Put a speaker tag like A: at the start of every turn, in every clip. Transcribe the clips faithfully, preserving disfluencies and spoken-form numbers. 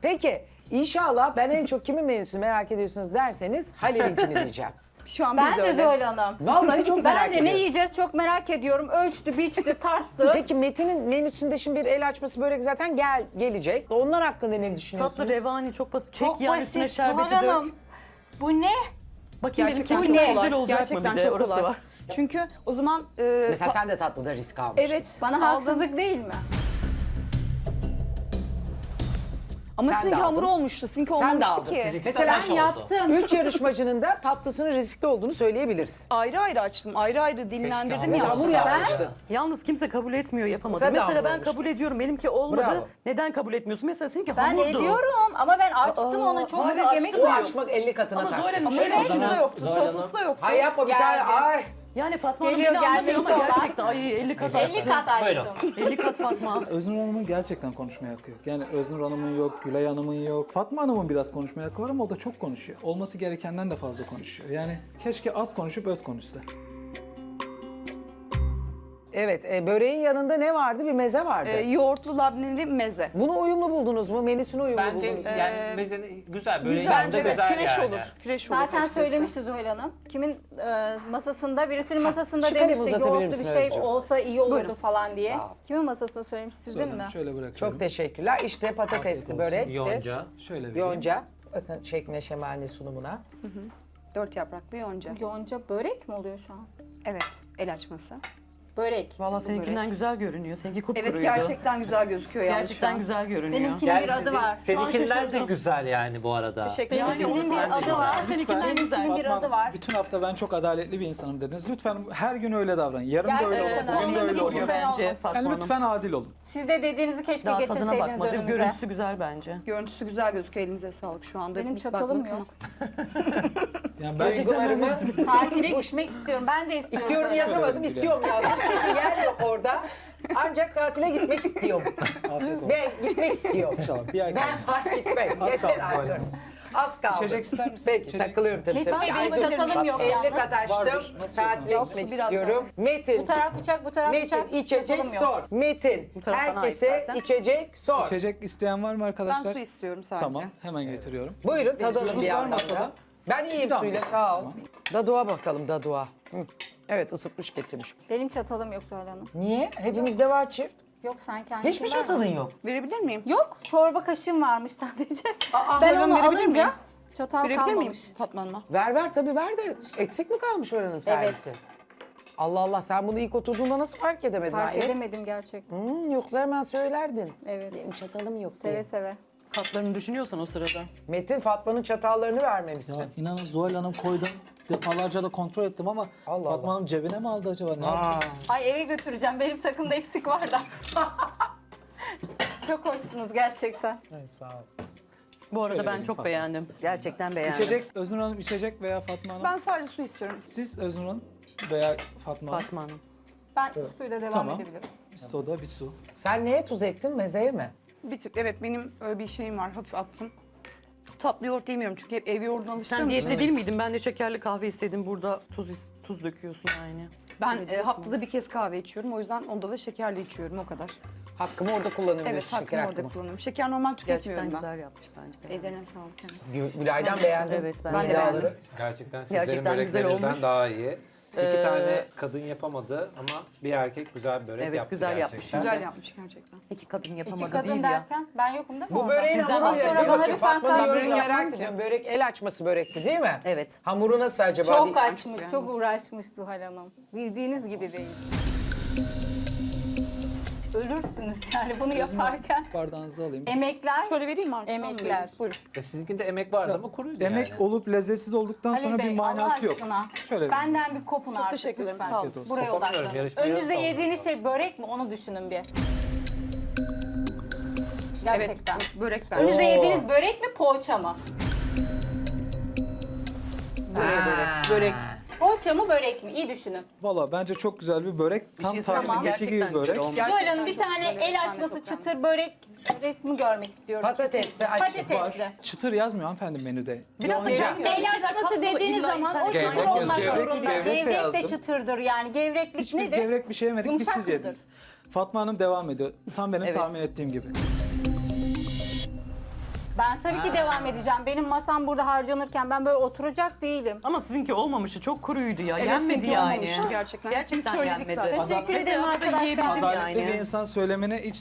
A: Peki inşallah ben en çok kimin menüsünü merak ediyorsunuz derseniz Halil'inkini diyeceğim.
B: Şu an
C: Ben
B: biz
C: de
B: öyle.
C: Zuhal Hanım.
A: Vallahi çok merak
C: Ben de ne
A: ediyorum.
C: yiyeceğiz çok merak ediyorum. Ölçtü, biçti, tarttı.
A: Peki Metin'in menüsünde şimdi bir el açması börek zaten gel gelecek. Onlar hakkında ne düşünüyorsunuz?
D: Tatlı revani çok basit. Çek
C: Çok
D: yani üstüne
C: basit Zuhal
D: şerbeti dök.
C: Hanım. Bu ne?
D: Bakayım benim
B: Gerçekten
D: kekim
B: çok
D: güzel
B: kolay.
D: olacak
B: Gerçekten
D: mı bir de
B: çok
D: orası
B: kolay.
D: var.
B: Çünkü o zaman e,
A: Mesela
B: pa-
A: sen de tatlıda risk almıştın.
B: evet
C: Bana
B: aldım.
C: haksızlık değil mi?
B: Ama
A: Sen de
B: sizinki hamur
A: aldın.
B: olmuştu. Sizinki
A: Sen de
B: olmamıştı
A: aldın.
B: ki.
E: Fiziksel
A: Mesela
E: taş oldu.
C: Yaptım.
A: Üç yarışmacının da tatlısının riskli olduğunu söyleyebiliriz.
B: Ayrı ayrı açtım. Ayrı ayrı dinlendirdim
E: hamur
B: ya.
A: Hamur
E: olsa.
A: yapmıştın.
D: Yalnız kimse kabul etmiyor yapamadı.
A: Sen de
D: Mesela
A: hamur
D: ben
A: olmuştun.
D: kabul ediyorum benimki olmadı.
A: Bravo.
D: Neden kabul etmiyorsun? Mesela seninki
C: Ben
D: hamurdu.
C: ediyorum ama ben açtım
D: Aa,
C: onu çok
D: hayır,
C: büyük
D: açtım.
C: yemek
A: O
C: koydum.
A: açmak elli katına
D: Ama
A: taktı.
D: Zuhal Hanım
B: Ama
D: şöyle
B: soslusu
D: aslında-
B: da yoktu.
E: Zuhal Hanım.
B: Soslusu da yoktu.
A: Hay yapma bir tane.
C: Geldi.
A: Ay.
D: Yani Fatma Hanım
C: Geliyor,
D: beni anlamıyor ama
C: gelmekte olan.
D: gerçekten ay elli kat
C: elli
D: açtı.
C: kat
E: Buyurun.
C: açtım.
D: elli kat Fatma.
F: Öznur Hanım'ın gerçekten konuşmaya hakkı yok. Yani Öznur Hanım'ın yok, Gülay Hanım'ın yok. Fatma Hanım'ın biraz konuşmaya hakkı var ama o da çok konuşuyor. Olması gerekenden de fazla konuşuyor. Yani keşke az konuşup öz konuşsa.
A: Evet, e, böreğin yanında ne vardı? Bir meze vardı.
B: E, yoğurtlu labneli meze.
A: Bunu uyumlu buldunuz mu? Menüsünü uyumlu
E: Bence
A: buldunuz mu?
E: yani mezeni güzel böyle
B: Güzel,
E: yanında
B: evet,
E: güzel
B: fresh
E: yani.
B: olur. Fresh olur
C: Zaten
B: açıkçası.
C: söylemişti Zuhal Hanım. Kimin e, masasında, birisinin masasında
A: şu kalemi
C: demişti
A: uzatabilir
C: yoğurtlu bir
A: misin
C: şey
A: Özcüm?
C: olsa iyi olurdu
B: Buyurun.
C: falan diye.
A: Sağ ol.
C: Kimin masasında söylemiş, sizin mi?
F: Şöyle bırakıyorum.
A: Çok teşekkürler. İşte patatesli
F: olsun.
A: börek.
E: Yonca.
F: Şöyle vereyim.
A: Yonca. Bakın şekline şemaline sunumuna.
B: Dört yapraklı yonca.
C: Yonca börek mi oluyor şu an?
B: Evet, el açması.
C: Börek.
D: Valla seninkinden güzel görünüyor. Seninki kupkuruydu.
B: Evet, gerçekten güzel gözüküyor yalnız şu
D: Gerçekten
B: an.
D: güzel görünüyor.
C: Benimkinin bir adı var.
D: Şu an
E: Seninkiler de
D: şaşırdım.
E: güzel yani bu arada.
B: Teşekkür ederim.
C: Benimkinin bir adı var.
D: Seninkinden güzel.
C: Benimkinin bir
F: Fatma
C: adı
F: Hanım,
C: var.
F: bütün hafta ben çok adaletli bir insanım dediniz. Lütfen her gün öyle davranın. Yarın da öyle
C: Gerçekten
F: olun. Bugün de
C: öyle.
F: öyle olun.
C: Lütfen
D: bence
C: olmasın.
D: Fatma
F: Yani
D: Hanım.
F: lütfen adil olun.
C: Siz de dediğinizi keşke
D: Daha tadına
C: getirseydiniz
D: bakmadım.
C: önümüze.
D: Görüntüsü güzel bence.
B: Görüntüsü güzel gözüküyor. Elinize sağlık şu anda.
C: Benim
B: İlk
C: çatalım
B: bakmak
C: yok.
F: Yani ben
A: Duygularımı
C: Tatile gitmek istiyorum. Ben de istiyorum.
A: istiyorum
C: Zuhal Hanım.
A: yazamadım, istiyorum yazdım. Çünkü yer yok orada. Ancak tatile gitmek istiyorum.
F: afiyet olsun.
A: Ben gitmek istiyorum.
F: İnşallah bir ay kaldı.
A: Ben var gitmem.
F: Az
A: Yeter
F: kaldı
A: artık.
F: Zuhal Hanım.
A: Az kaldı.
F: İçecek ister misiniz?
A: Peki
F: İçecek.
A: takılıyorum tabii
C: Metin
A: tabii.
C: Bey benim
A: Ay, dur.
C: çatalım yok
A: elli
C: yalnız.
A: kat açtım.
F: Vardır. Nasıl
A: Tatile
F: yok?
A: gitmek
C: Biraz
A: istiyorum. Metin.
C: Bu taraf bıçak, bu taraf
A: Metin
C: bıçak.
A: içecek
C: çatalım yok.
A: sor. Metin
D: Bu taraf bana ait
A: herkese
D: zaten.
A: içecek sor.
F: İçecek isteyen var mı
B: Ben
F: arkadaşlar?
B: su istiyorum sadece.
F: Tamam, hemen getiriyorum.
A: Buyurun tadalım
F: Suyumuz
A: bir
F: var
A: yandan
F: masada.
A: da. Ben iyiyim
F: Tamam.
A: suyla sağ ol. Daduğa bakalım daduğa. Hı. Evet ısıtmış getirmiş.
C: Benim çatalım yok Zuhal Hanım.
A: Niye? Hepimizde var çift.
C: Yok sen kendin.
A: Hiçbir çatalın yok.
B: Verebilir miyim?
C: Yok. Çorba kaşığım varmış sadece.
B: Aa,
C: ben
B: hemen
C: onu
B: verebilir
C: alınca
B: miyim?
C: çatal
B: Verebilir miyim
C: kalmamış.
B: Fatma Hanım'a?
A: Ver ver tabii ver de eksik mi kalmış oranın servisi?
C: Evet.
A: Allah Allah sen bunu ilk oturduğunda nasıl fark edemedin?
C: Fark
A: Hayır.
C: edemedim gerçekten.
A: Hmm, yoksa hemen söylerdin.
C: Evet.
A: Benim çatalım yok
C: Seve
A: diye.
C: seve.
D: Katlarını düşünüyorsan o sırada.
A: Metin Fatma'nın çatallarını vermemişsin.
F: Ya inanın Zuhal Hanım koydum. Defalarca da kontrol ettim ama
A: Allah
F: Fatma
A: Allah.
F: Hanım cebine mi aldı acaba? Ne yaptı?
A: Aa.
C: Ay eve götüreceğim. Benim takımda eksik var da. Çok hoşsunuz gerçekten.
A: Ay, sağ ol.
D: Bu arada
F: Şöyle
D: ben
F: vereyim
D: çok
F: Fatma.
D: beğendim. Gerçekten beğendim.
F: İçecek, Öznur Hanım içecek veya Fatma Hanım?
B: Ben sadece su istiyorum.
F: Siz Öznur Hanım veya Fatma Hanım?
D: Fatma Hanım.
C: Ben suyla devam
F: Tamam.
C: edebilirim.
F: Bir soda, bir su.
A: Sen neye tuz ektin? Mezeye mi?
B: Bir tık evet benim öyle bir şeyim var. Hafif attım. Tatlı yoğurt yemiyorum çünkü hep ev yoğurduna alıştığım
D: Sen
B: için.
D: diyette değil miydin? Ben de şekerli kahve istedim. Burada tuz tuz döküyorsun aynı.
B: Ben
D: Ne
B: e,
D: diyet
B: haftada bir kez kahve içiyorum. O yüzden onda da şekerli içiyorum o kadar.
A: Hakkımı orada kullanıyorum
B: Evet
A: diyorsun,
B: hakkımı orada
A: hakkımı.
B: kullanıyorum. Şeker normal
D: Gerçekten
B: tüketmiyorum ben.
D: güzel yapmış bence. beğendim.
B: Ellerine sağlık. Evet.
A: Gül- Gülay'dan beğendim.
D: Evet, ben
B: de
A: İddiaları.
B: beğendim.
E: Gerçekten sizlerin
D: Gerçekten güzel
E: böreklerinizden
D: olmuş.
E: daha iyi. İki
D: Ee,
E: tane kadın yapamadı ama bir erkek güzel börek
D: Evet,
E: yaptı
D: güzel
E: gerçekten.
D: yapmış.
B: Güzel yapmış gerçekten.
D: İki kadın
C: İki
D: yapamadı
C: kadın
D: değil ya.
C: derken ben yokum değil mi?
A: Bu
C: orada?
A: böreğin
D: Sizden
A: hamuru
D: sonra
A: ne?
C: bana
A: Bakın
C: bir
A: Fatma'nın
C: fantazi
A: yorumunu
C: yapın
A: merak
C: diye.
A: ediyorum. Börek el açması börekti değil mi?
D: Evet.
A: Hamuru nasıl acaba?
C: Çok
A: Bir-
C: açmış, çok uğraşmış Zuhal Hanım. Bildiğiniz gibi değil. Ölürsünüz yani bunu yaparken.
F: Bardağınızı alayım.
C: Emekler,
B: Şöyle vereyim mi artık?
C: Emekler.
B: Buyurun.
E: E sizinkinde emek vardı ama kuruydu
F: Emek
E: yani.
F: olup lezzetsiz olduktan sonra
C: Halil
F: bir
C: Bey Allah
F: manası yok.
C: aşkına
F: Şöyle
C: benden bir kopun artık
B: teşekkür ederim,
C: lütfen.
B: sağ olun.
F: Afiyet olsun.
C: Buraya
E: Kopamıyorum,
C: odaklanın.
E: yarışmaya
C: Önünüzde
E: kaldım.
C: yediğiniz şey börek mi onu düşünün bir. Gerçekten.
B: Evet börek ben.
C: Önünüzde
A: Oo.
C: yediğiniz börek mi poğaça mı?
A: Ha.
B: Börek.
C: Poğaça mı börek mi? İyi düşünün.
F: Valla bence çok güzel bir börek. Tam
D: şey söyleyeyim mi?
F: tarifindeki gibi
D: Gerçekten
F: börek.
D: güzel olmuş.
B: Gerçekten
C: Zuhal Hanım bir
B: çok
C: tane
B: güzel,
C: el
B: evet, ben de
C: açması
B: çok
C: çıtır börek resmi görmek istiyorum.
A: Patatesli, açık.
C: Patatesli.
F: Çıtır yazmıyor hanımefendi menüde.
D: Biraz
A: Yonca.
D: beğenmiyorum.
C: El
D: Bir şeyler
C: açması
D: katmalı,
C: dediğiniz
D: illa
C: zaman o
D: internet-
C: çıtır
E: Gevrek
C: olmak
E: yazıyor.
C: zorunda.
F: Gevrek de
C: Gevrek de
F: yazdım.
C: çıtırdır yani. Gevreklik
F: Hiçbir
C: nedir?
F: gevrek bir şey yemedik, biz
C: Yumuşak
F: siz
C: mıdır?
F: yediniz. Fatma Hanım devam ediyor. Tam benim
D: Evet.
F: tahmin ettiğim gibi.
C: Ben tabii ki devam edeceğim. Benim masam burada harcanırken ben böyle oturacak değilim.
D: Ama sizinki olmamıştı. Çok kuruydu ya.
B: Evet,
D: Yenmedi
B: sizinki
D: yani.
B: olmamıştı gerçekten.
D: Gerçekten
B: Biz söyledik
D: yenmedi.
B: zaten.
C: Teşekkür ederim
D: Mesela
C: arkadaşlar.
D: yiyebildim
F: Adaletli
D: yani.
F: bir insan söylemene hiç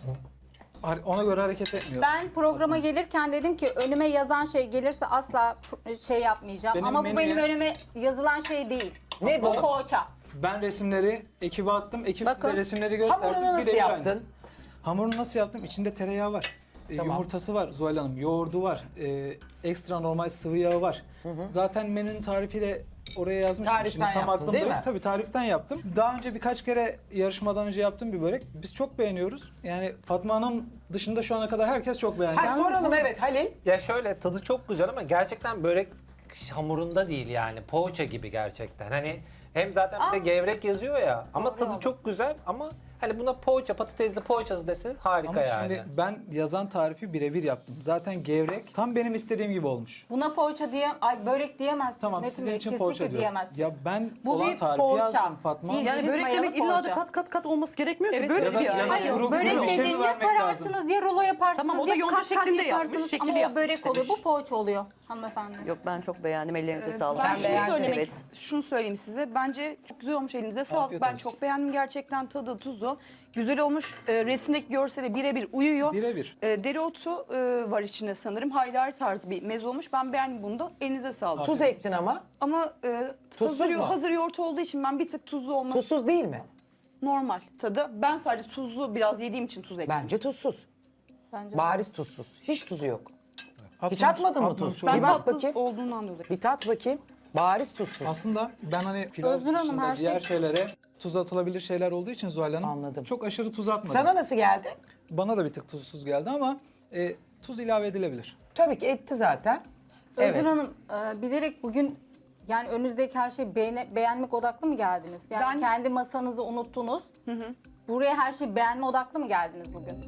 F: ona göre hareket etmiyor.
C: Ben programa gelirken dedim ki önüme yazan şey gelirse asla şey yapmayacağım.
F: Benim
C: Ama bu
F: menüye-
C: benim önüme yazılan şey değil.
A: Ne bu?
C: Poğaça.
F: Ben resimleri ekibe attım. Ekip
C: Bakın.
F: size resimleri göstersin.
A: Hamurunu nasıl
F: birebir
A: yaptın?
F: aynısı. Hamurunu nasıl yaptım? İçinde tereyağı var. e,
A: Tamam.
F: Yumurtası var Zuhal Hanım. Yoğurdu var. e, ekstra normal sıvı yağı var. Zaten menünün tarifi de oraya yazmıştım.
A: Tariften
F: Şimdi tam
A: yaptın,
F: aklımda
A: değil
F: yok.
A: mi?
F: Tabii tariften yaptım. Daha önce birkaç kere yarışmadan önce yaptığım bir börek. Biz çok beğeniyoruz. Yani Fatma Hanım dışında şu ana kadar herkes çok beğendi.
A: Ha, soralım evet Halil.
E: Ya şöyle tadı çok güzel ama gerçekten börek hamurunda değil yani. Poğaça gibi gerçekten. Hani hem zaten bir de gevrek yazıyor ya ama tadı çok güzel ama hani buna poğaça, patatesli poğaçası deseniz harika
F: Ama
E: yani.
F: şimdi ben yazan tarifi birebir yaptım. Zaten gevrek tam benim istediğim gibi olmuş.
C: Buna poğaça diye, ay börek diyemezsiniz.
F: Tamam
C: Metin
F: sizin
C: Bey,
F: için
C: kesinlikle
F: poğaça diyorum.
C: diyemezsiniz.
F: Ya ben
C: Bu
F: olan
C: bir
F: tarifi
C: poğaça.
F: yazdım Fatma.
C: Bir-
D: Yani börek
C: mayalı
D: demek illa da
C: poğaça.
D: kat kat kat olması gerekmiyor ki.
B: Evet,
D: Börek
F: ya da-
D: yani.
F: ya da
C: Hayır,
F: kuru-
C: börek
F: kuru bir şey
C: dediğiniz ya
F: vermek lazım.
C: sararsınız ya rulo yaparsınız
D: Tamam, o da
C: ya
D: yonca
C: kat kat
D: şeklinde yapmış,
C: yaparsınız
D: şekili
C: ama o
D: yapmış
C: börek oluyor.
D: demiş.
C: Bu poğaça oluyor hanımefendi.
D: Yok ben çok beğendim. Ellerinize sağlık.
B: Ben
A: Sen
B: şunu
A: beğendin.
B: söylemek,
D: Evet.
B: şunu söyleyeyim size. Bence çok güzel olmuş, elinize sağlık.
F: Afiyet
B: Ben
F: olsun.
B: çok beğendim gerçekten, tadı, tuzu. Güzel olmuş. E, resimdeki görsele birebir uyuyor.
F: Birebir.
B: E, dereotu e, var içinde sanırım. Haydari tarzı bir meze olmuş. Ben beğendim bunu da. Elinize sağlık.
A: Tuz ektin ama.
B: Ama e,
A: Tuzsuz
B: hazır,
A: mu?
B: hazır yoğurt olduğu için ben bir tık tuzlu olması
A: Tuzsuz değil mi?
B: normal tadı. Ben sadece tuzlu biraz yediğim için tuz ekledim.
A: Bence tuzsuz.
C: Bence.
A: Bariz tuzsuz. Hiç tuzu yok. Hiç
F: Atmamış-
A: atmadın mı
F: atmamış
A: tuz?
F: olabilir.
B: Ben
A: Bir bak
B: tatlı
A: bakayım.
B: olduğundan dolayı.
A: Bir tat bakayım. Bariz tuzsuz.
F: Aslında ben hani pilav
C: Özgür Hanım,
F: dışında
C: her şey-
F: diğer şeylere tuz atılabilir şeyler olduğu için Zuhal Hanım
A: Anladım.
F: çok aşırı tuz atmadım.
A: Sana nasıl geldi?
F: Bana da bir tık tuzsuz geldi ama e, tuz ilave edilebilir.
A: Tabii ki etti zaten.
C: Özgür
A: Evet.
C: Hanım e, bilerek bugün yani önünüzdeki her şeyi beğene- beğenmek odaklı mı geldiniz? Yani
B: Ben-
C: kendi masanızı unuttunuz. Buraya her şeyi beğenme odaklı mı geldiniz bugün?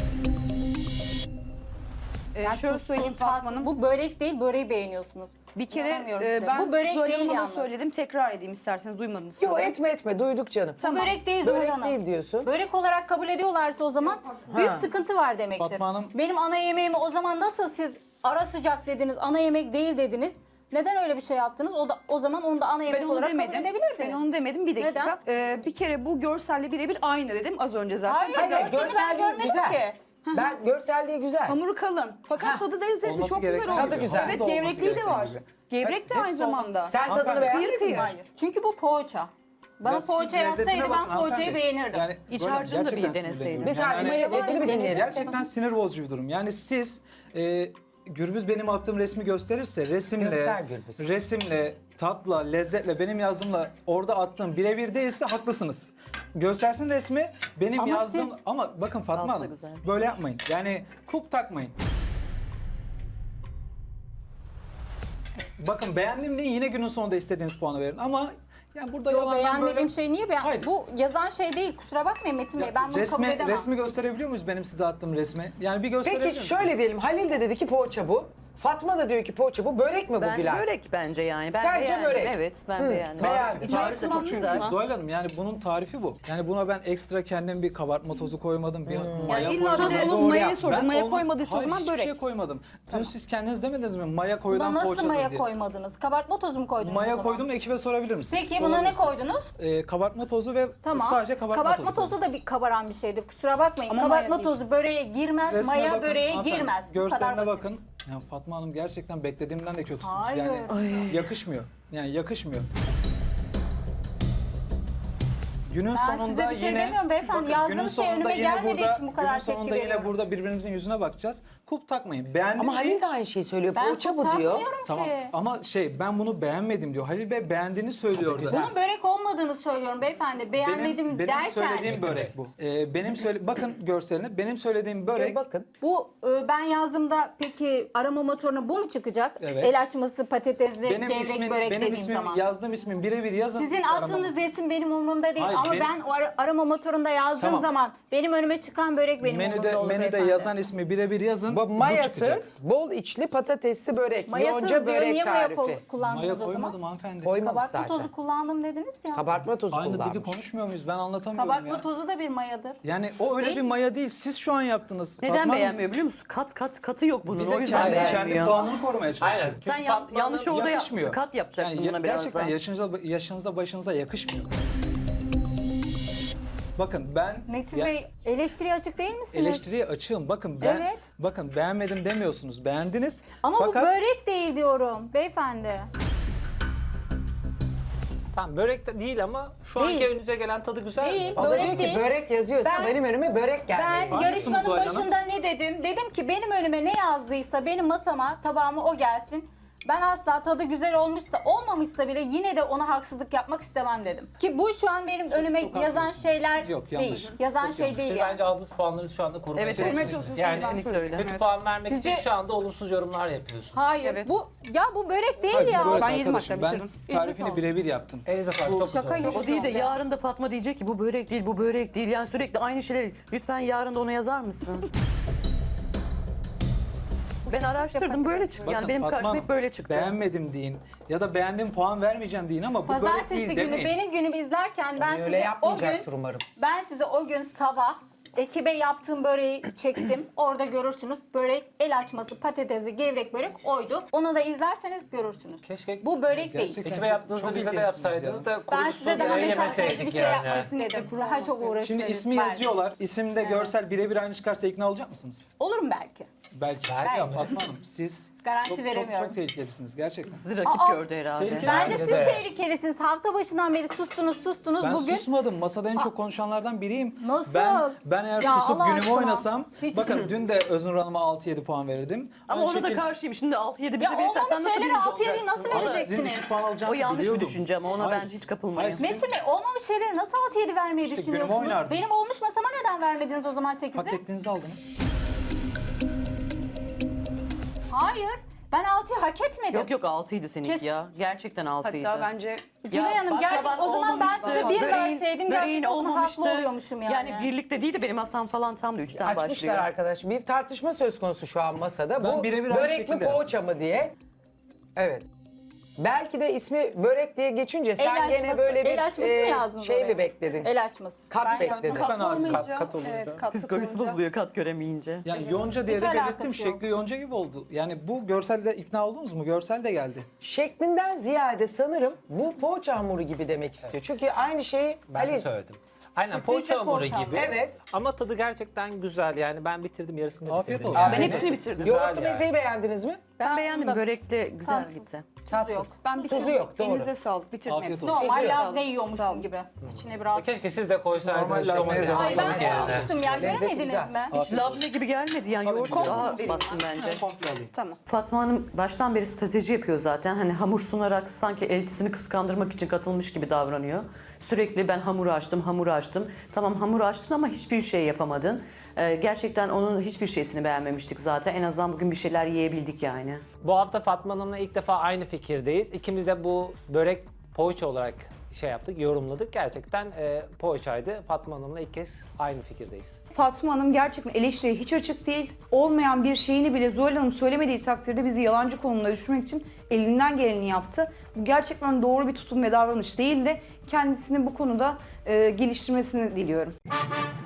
B: E,
C: Yani
B: şöyle
C: tuzsuz,
B: söyleyeyim
C: tatsız.
B: Fatma Hanım.
C: Bu börek değil, böreği beğeniyorsunuz.
B: Bir kere
C: İnanamıyorum
B: e,
C: size.
B: ben
C: Bu börek
B: Zuhal
C: değil
B: Hanım'a da
C: yalnız.
B: söyledim. Tekrar edeyim isterseniz, duymadınız.
A: Yok
B: sanırım.
A: etme etme duyduk canım.
C: Bu börek değil Zuhal
A: Börek
C: Hanım.
A: değil diyorsun.
C: Börek olarak kabul ediyorlarsa o zaman büyük sıkıntı var demektir.
F: Fatma Hanım-
C: Benim ana yemeğimi o zaman nasıl siz ara sıcak dediniz, ana yemek değil dediniz. Neden öyle bir şey yaptınız? O da o zaman onu da ana yemek
B: Ben onu
C: olarak
B: demedim.
C: kabul edebilirdiniz.
B: Ben onu demedim. Bir dakika.
C: Neden?
B: Ee, bir kere bu görselle birebir aynı dedim az önce zaten.
C: Hayır,
A: Hayır,
C: görseli ben
A: görselliği
C: görmedim
A: güzel.
C: ki.
A: Ben görselliği güzel.
B: Hamuru kalın. Fakat
A: Ha.
B: tadı lezzetli.
F: Olması
B: Çok güzel
F: gereken
B: olmuş.
A: Tadı güzel.
B: Evet,
F: Olması
B: gevrekliği de
F: gereken
B: var.
F: gibi.
B: Gevrek de
F: Hepsi
B: aynı
F: olması-
B: zamanda.
A: Sen tadını
F: Hanımefendi,
A: beğendin mi?
C: Hayır. Çünkü bu poğaça. Bana
F: Ya siz
C: poğaça
F: lezzetine
C: yazsaydı
F: bakın
C: ben poğaçayı
F: hanımefendi.
C: beğenirdim.
F: Yani
D: İç
F: böyle
D: harcını da bir
F: gerçekten
D: deneseydin.
F: sinirleniyorum.
A: Bir saniye
F: Yani
A: Maya
F: hani-
A: etini bir dinleyelim.
F: Gerçekten sinir bozucu bir durum. Yani siz e, Gürbüz benim attığım resmi gösterirse resimle,
A: Göster Gürbüz.
F: resimle, tatla, lezzetle benim yazdığımla orada attığım birebir değilse haklısınız. Göstersin resmi benim
C: Ama
F: yazdığım
C: siz-
F: ama bakın Fatma
D: Tatlı
F: Hanım
D: güzel.
F: böyle yapmayın. Yani kulp takmayın. Bakın beğendim diye yine günün sonunda istediğiniz puanı verin ama yani burada
C: Yo,
F: yalandan
C: beğenmediğim
F: böyle...
C: şey niye beğen?
F: Hayır.
C: Bu yazan şey değil. Kusura bakmayın Metin Bey. Ben bunu kabul
F: resmi,
C: edemem.
F: resmi gösterebiliyor muyuz benim size attığım resmi? Yani bir gösterebilir
A: Peki
F: misiniz?
A: şöyle diyelim. Halil de dedi ki poğaça bu. Fatma da diyor ki poğaça bu. Börek mi bu
D: Ben
A: Güler?
D: börek bence yani. Ben
A: Sence
D: beğendim.
A: börek?
D: Evet ben
A: Hı,
D: beğendim.
A: beğendin.
D: İç harcı da çok
C: Çünkü
D: güzel.
F: Zuhal Hanım yani bunun tarifi bu. Yani buna ben ekstra kendim bir kabartma tozu koymadım, bir maya
D: Yani illa
F: koymadım.
D: bir de
B: Onun
A: doğru
B: mayayı
A: yap.
B: sordum.
F: Ben
B: Maya
F: olmaz-
B: koymadıysa o
F: Hayır,
B: zaman
F: hiçbir
B: börek.
F: şey koymadım. Dün siz kendiniz demediniz mi? Maya
C: Buna
F: koyulan
C: nasıl
F: poğaçadır
C: maya
F: diye.
C: koymadınız? Kabartma tozu mu koydunuz? o
F: Maya
C: zaman?
F: koydum ekibe sorabilir misiniz?
C: Peki buna ne
F: Sorabilirsiniz.
C: koydunuz?
F: Ee, kabartma tozu ve
C: Tamam.
F: sadece kabartma,
C: kabartma
F: tozu.
C: tozu da bir kabaran bir şeydir. Kusura bakmayın.
B: Ama
C: kabartma
B: maya değil.
C: tozu böreğe girmez,
F: Resmine
C: maya
F: bakın,
C: böreğe
F: hanımefendi,
C: girmez. Bu kadar
F: Görseline
C: basit.
F: bakın. Ya Fatma Hanım gerçekten beklediğimden de kötüsünüz.
C: Hayır.
F: Yani yakışmıyor. Yani yakışmıyor. Günün
C: Ben
F: sonunda
C: size bir şey
F: yine
C: demiyorum beyefendi.
F: bakın,
C: Yazdığınız
F: günün
C: şey
F: sonunda
C: önüme
F: yine
C: gelmediği
F: burada-
C: için bu kadar
F: günün
C: tepki
F: sonunda yine
C: veriyorum.
F: burada birbirimizin yüzüne bakacağız. Kulp takmayın. Beğendim
A: Ama
F: mi?
A: Halil de aynı şeyi söylüyor.
C: Ben
A: Poğaça bu
C: çok
A: diyor.
C: takmıyorum
F: Tamam
C: ki.
F: ama şey ben bunu beğenmedim diyor. Halil Bey beğendiğini söylüyor
A: güzel.
F: orada.
C: Bunun börek olmadığını söylüyorum beyefendi. Beğenmedim
F: benim, benim
C: derken.
F: söylediğim börek bu. Ee, benim söyle bakın görseline benim söylediğim börek
A: Bakın.
C: Bu e, ben yazdığımda peki arama motoruna bu mu çıkacak?
F: Evet.
C: El açması patatesli
F: benim
C: gevrek
F: ismim
C: börek
F: benim
C: dediğim
F: ismim
C: zaman.
F: yazdığım ismin birebir yazın.
C: Sizin
F: arama-
C: attığınız resim benim umurumda değil
F: Hayır,
C: Ama
F: Benim-
C: ben o ara- arama motorunda yazdığım
F: Tamam.
C: zaman benim önüme çıkan börek benim
F: menüde
C: umurumda olur
F: menüde
C: beyefendi.
F: yazan ismi birebir yazın.
A: Bu
F: çıkacak.
A: mayasız, bol içli patatesli börek.
C: Mayasız
A: Yonca
C: diyor,
A: börek
C: niye maya
A: tarifi.
C: kol- kullandınız
F: Maya
C: o zaman?
F: koymadım hanımefendi.
A: Koymamış
C: Kabartma
A: zaten.
C: tozu kullandım dediniz ya.
A: Kabartma tozu
F: Aynı
A: kullanmış.
F: dili konuşmuyor muyuz? Ben anlatamıyorum
C: Kabartma
F: ya.
C: tozu da bir mayadır.
F: Yani o öyle
C: Değil
F: bir
C: mi?
F: maya değil. Siz şu an yaptınız.
D: Neden
F: Fatma Hanım,
D: beğenmiyor biliyor musun? Kat kat katı yok bunun.
F: Bir
D: O
F: de
D: yüzden
F: kendi, kendi
D: beğenmiyor.
F: puanını korumaya çalışıyor.
E: Aynen.
D: Sen
E: Çünkü
D: yan-
E: Fatma'nın
D: yanlış orada
F: yakışmıyor.
D: yapmışsın. Kat yapacaktın
F: Yani
D: buna biraz
F: gerçekten
D: daha.
F: yaşınıza, yaşınıza başınıza yakışmıyor. Bakın ben
C: Metin
F: ya-
C: Bey eleştiriye açık değil misiniz?
F: eleştiriye açığım. Bakın ben
C: Evet.
F: bakın beğenmedim demiyorsunuz. Beğendiniz.
C: Ama
F: Fakat
C: bu börek değil diyorum beyefendi.
E: Tamam börek de değil ama şu
C: Değil.
E: anki önünüze gelen tadı güzel
C: Değil.
E: mi?
A: O da
C: Börek
A: diyor ki
C: değil.
A: börek yazıyorsa
C: Ben-
A: benim önüme börek gelmeli.
C: Ben
A: var.
C: yarışmanın
F: Zuhal Hanım?
C: başında ne dedim? Dedim ki benim önüme ne yazdıysa benim masama, tabağıma o gelsin. Ben asla tadı güzel olmuşsa, olmamışsa bile yine de ona haksızlık yapmak istemem dedim. Ki bu şu an benim önüme
F: çok
C: yazan
F: haklısınız.
C: şeyler
F: Yok, yanlış.
C: değil. Yazan
F: Çok
C: şey
F: yanlış.
C: değil
E: Siz
C: yani.
E: bence aldığınız puanları şu anda korumaya
D: Evet,
E: çalışıyorsunuz.
B: çalışıyorsunuz.
E: Yani
D: Kesinlikle öyle.
E: kötü
B: Evet.
E: puan vermek
C: Sizce-
E: için şu anda olumsuz yorumlar yapıyorsunuz.
C: Hayır.
B: Evet.
C: Bu ya bu börek değil
F: Hayır,
C: ya.
F: börek
B: Ben yedim
F: arkadaşım.
B: hatta,
F: Ben
B: bitirdim.
F: tarifini
C: sağlık.
F: birebir yaptım.
E: Elinize sağlık. Çok
C: şaka
E: güzel oldu.
C: yok.
D: O değil de
C: Ya.
D: yarın da Fatma diyecek ki bu börek değil, bu börek değil. Yani sürekli aynı şeyleri. Lütfen yarın da ona yazar mısın? Ben araştırdım böyle çıktı. Yani
F: Bakın
D: benim
F: Fatma
D: karşıma
F: Hanım,
D: hep böyle çıktı.
F: Beğenmedim deyin ya da beğendim puan vermeyeceğim deyin ama bu börek
C: Pazartesi
F: değil
C: günü
F: demeyin.
C: benim günümü izlerken ben
A: Öyle
C: size o gün
A: yapmayacaktır umarım.
C: ben size o gün sabah ekibe yaptığım böreği çektim. Orada görürsünüz. Börek el açması, patatesli, gevrek börek oydu. Onu da izlerseniz görürsünüz.
E: Keşke
C: Bu börek değil.
F: Gerçekten
E: ekibe
F: çok-
E: yaptığınızda
F: çok
E: bize de
F: ilginçsiniz
E: yapsaydınız
F: ya.
E: da
C: Ben
E: kurusu
C: size daha
E: bile
C: meşakkatli bir
E: yemeseydik
C: şey
E: yani.
C: yapmak istedim. Daha çok uğraştırdım.
F: Şimdi ismi
C: belki.
F: yazıyorlar. İsimde görsel birebir aynı çıkarsa ikna olacak mısınız?
C: Olurum belki.
F: Belki.
E: Belki
F: Ya
E: ama.
F: Fatma Hanım siz
C: Garanti
F: çok, çok,
C: veremiyorum.
F: çok tehlikelisiniz gerçekten.
D: Sizi rakip
C: Aa,
D: gördü herhalde.
F: tehlikeli.
C: Bence
E: Bence
C: siz
E: de.
C: tehlikelisiniz. Hafta başından beri sustunuz, sustunuz.
F: Ben
C: Bugün
F: susmadım. Masada en çok konuşanlardan biriyim.
C: Nasıl?
F: Ben ben eğer
C: Ya
F: susup
C: Allah
F: günümü
C: aşkına.
F: oynasam
C: Hiç-
F: bakın dün de Öznur Hanım'a altı yedi puan verirdim.
D: Ama
F: Aynı
D: ona da
F: şekilde-
D: karşıyım. Şimdi altı yedi bize
C: Ya
D: verirsen sen
C: olmamış
D: nasıl
C: şeylere
D: birinci
C: altı yedi
D: olacaksın?
C: nasıl
F: Ama
C: vereceksiniz?
F: sizin düşük puan
D: O
F: alacağınızı
D: yanlış bir
F: biliyordum.
D: düşünce ama ona
F: Hayır.
D: bence hiç kapılmayın.
F: Hayır,
C: Metin Bey olmamış şeyleri nasıl altı yedi vermeyi
F: İşte
C: düşünüyorsunuz?
F: günümü oynardım.
C: Benim olmuş masama neden vermediniz o zaman
F: Hak
C: sekizi?
F: ettiğinizi aldınız.
C: Hayır. Ben altıyı hak etmedim.
D: Yok yok altıydı seninki
C: Kes-
D: ya. Gerçekten altıydı.
B: Hatta bence
C: Gülay Hanım
D: bak,
C: gerçek
D: taban
C: o zaman ben
D: olmamıştı,
C: size bir
D: böreğin-
C: verseydim
D: böreğin
C: gerçekten o zaman
D: olmamıştı.
C: haklı oluyormuşum yani.
D: Yani birlikte değil de benim masam falan tam da üçten
A: Açmışlar
D: başlıyor.
A: arkadaş. Bir tartışma söz konusu şu an masada.
F: Ben
A: Bu
F: birebir aynı
A: börek mi
F: şekilde
A: poğaça mı diye. Evet. Belki de ismi börek diye geçince sen
C: El
A: gene
C: açması-
A: böyle bir
C: el açması mı
A: e,
C: yazdınız
A: şey
C: oraya?
A: mi bekledin?
C: El açması.
A: Kat
C: Ben-
A: bekledin.
F: Lütfen
B: katlı
F: abi,
B: olmayınca,
F: kat- kat olunca.
B: evet, katlı
D: Psikolojisi
B: olunca-
D: bozuluyor kat göremeyince.
F: Yani yonca diye
C: Hiç
F: de
C: alakası
F: belirttim.
C: yok.
F: Şekli yonca gibi oldu. Yani bu görselde ikna oldunuz mu? Görsel de geldi.
A: Şeklinden ziyade sanırım bu poğaça hamuru gibi demek istiyor. Çünkü aynı şeyi
E: Ben de
A: Ali
E: söyledim. Aynen
C: Kesinlikle
E: poğaça hamuru
C: poğaça
E: gibi.
C: hamuru.
A: Evet.
E: Ama tadı gerçekten güzel. Yani ben bitirdim yarısını
F: Afiyet
E: bitirdim.
F: olsun.
E: yani.
B: Ben hepsini bitirdim.
E: Güzel
A: yoğurtlu
E: yani.
A: mezeyi beğendiniz mi?
D: Ben
C: Ben
D: beğendim
C: bunda-
D: börekle güzel
C: Tatsız.
D: gitti.
A: Tatsız.
C: yok.
B: Ben bitirdim.
A: Tuzu yok, doğru.
B: Elinize sağlık. Bitirdim
F: Afiyet
B: hepsini.
F: olsun.
C: Normal
B: Elinize
C: labne
B: sağlık. Sağ
C: yiyormuşum
B: olun.
C: gibi. İçine biraz...
E: Keşke siz de koysaydınız
F: Normal
E: domates
F: labneye devam
C: Ay ben
F: edelim.
E: yani.
C: sormuştum ya.
A: Lezzeti
C: Görmediniz
A: güzel.
C: mi?
D: Hiç labne gibi gelmedi yani yoğurt daha
B: vereyim.
D: bastım bence.
F: Komple alayım.
B: Tamam.
D: Fatma Hanım baştan beri strateji yapıyor zaten. Hani hamur sunarak sanki eltisini kıskandırmak için katılmış gibi davranıyor. Sürekli ben hamuru açtım, hamuru açtım. Tamam hamuru açtın ama hiçbir şey yapamadın. Ee, gerçekten onun hiçbir şeysini beğenmemiştik zaten. En azından bugün bir şeyler yiyebildik yani.
E: Bu hafta Fatma Hanım'la ilk defa aynı fikirdeyiz. İkimiz de bu börek poğaça olarak şey yaptık, yorumladık. Gerçekten e, poğaçaydı. Fatma Hanım'la ilk kez aynı fikirdeyiz.
G: Fatma Hanım gerçekten eleştiriye hiç açık değil. Olmayan bir şeyini bile Zuhal Hanım söylemediği takdirde bizi yalancı konumuna düşürmek için elinden geleni yaptı. Bu gerçekten doğru bir tutum ve davranış değildi. Kendisini bu konuda e, geliştirmesini diliyorum.